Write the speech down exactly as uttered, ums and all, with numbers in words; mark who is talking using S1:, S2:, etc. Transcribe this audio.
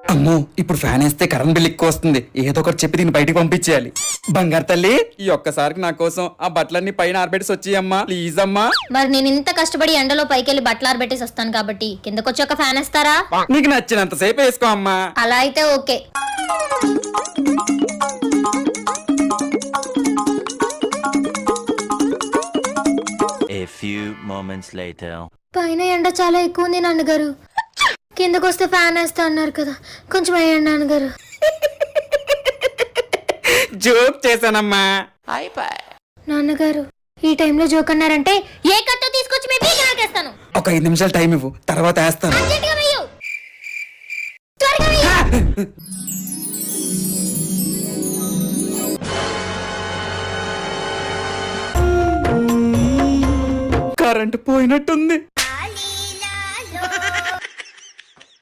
S1: అమ్మో ఇప్పుడు ఫ్యాన్ వేస్తే కరెంట్ బిల్ ఎక్కువ వస్తుంది. ఏదో ఒకటి చెప్పి దీన్ని బయటికి పంపించేయాలి. బంగారు తల్లి, ఈ ఒక్కసారికి నా కోసం ఆ బట్టలన్నీ పైన ఆరబెట్టి వచ్చేయమ్మా ప్లీజ్ అమ్మా.
S2: మరి నేను ఇంత కష్టపడి ఎండలో పైకెళ్ళి బట్టలు ఆరబెట్టేసి వస్తాను కాబట్టి కిందకొచ్చి ఒక ఫ్యాన్ వేస్తారా?
S1: నీకు నచ్చినంత సేపు వేసుకో అమ్మా.
S2: అలా అయితే okay.
S3: A few moments later.
S2: పైన ఎండ చాలా ఎక్కువ ఉంది నాన్నగారు. కిందకు వస్తే ఫ్యాన్ వేస్తా అన్నారు కదా, కొంచెం వేయండి నాన్నగారు.
S1: జోక్ చేశానమ్మా.
S2: నాన్నగారు ఈ టైంలో జోక్ అన్నారంటే ఏ కట్టో తీసుకొచ్చి మీ పీక నాకేస్తాను.
S1: ఒక ఐదు నిమిషాలు టైం ఇవ్వు, తర్వాత వేస్తాను.
S2: అర్జెంటుగా వెయ్యు. త్వరగా వెయ్యు.
S1: కరెంటు పోయినట్టుంది.